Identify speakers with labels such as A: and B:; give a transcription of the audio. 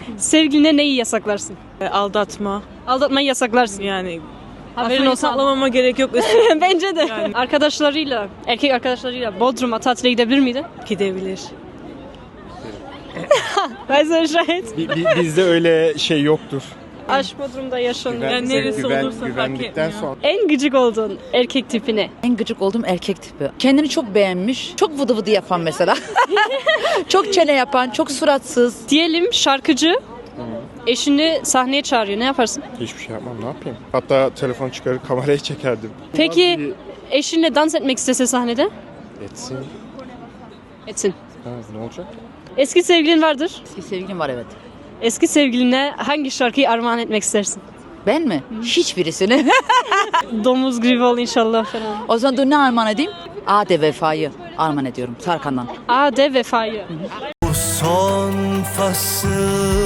A: Sevgiline neyi yasaklarsın?
B: Aldatma.
A: Aldatmayı yasaklarsın.
B: Yani
A: Haberin
B: aslında
A: olsa
B: sağlamama gerek yok.
A: Bence de. Arkadaşlarıyla, erkek arkadaşlarıyla Bodrum'a tatile gidebilir miydi?
B: Gidebilir.
A: Ben sana şahit.
C: Bizde öyle şey yoktur.
A: Aşk Bodrum'da yaşanıyor.
B: Yani neresi olursa fark
C: güvendikten
B: etmiyor.
C: sonra.
A: En gıcık olduğun erkek tipi ne?
D: En gıcık olduğum erkek tipi. Kendini çok beğenmiş, çok vıdı vıdı yapan mesela. Çok çene yapan, çok suratsız.
A: Diyelim şarkıcı eşini sahneye çağırıyor. Ne yaparsın?
C: Hiçbir şey yapmam, ne yapayım? Hatta telefon çıkarıp kameraya çekerdim.
A: Peki eşinle dans etmek istese sahnede?
C: Etsin.
A: Etsin.
C: Ha, ne olacak?
A: Eski sevgilin vardır.
D: Eski sevgilim var evet.
A: Eski sevgiline hangi şarkıyı armağan etmek istersin?
D: Ben mi? Hiçbirisini.
A: Domuz gribi ol inşallah falan.
D: O zaman dur ne armağan edeyim? Ade Vefa'yı armağan ediyorum Tarkan'dan.
A: Ade Vefa'yı.
E: Son fasıl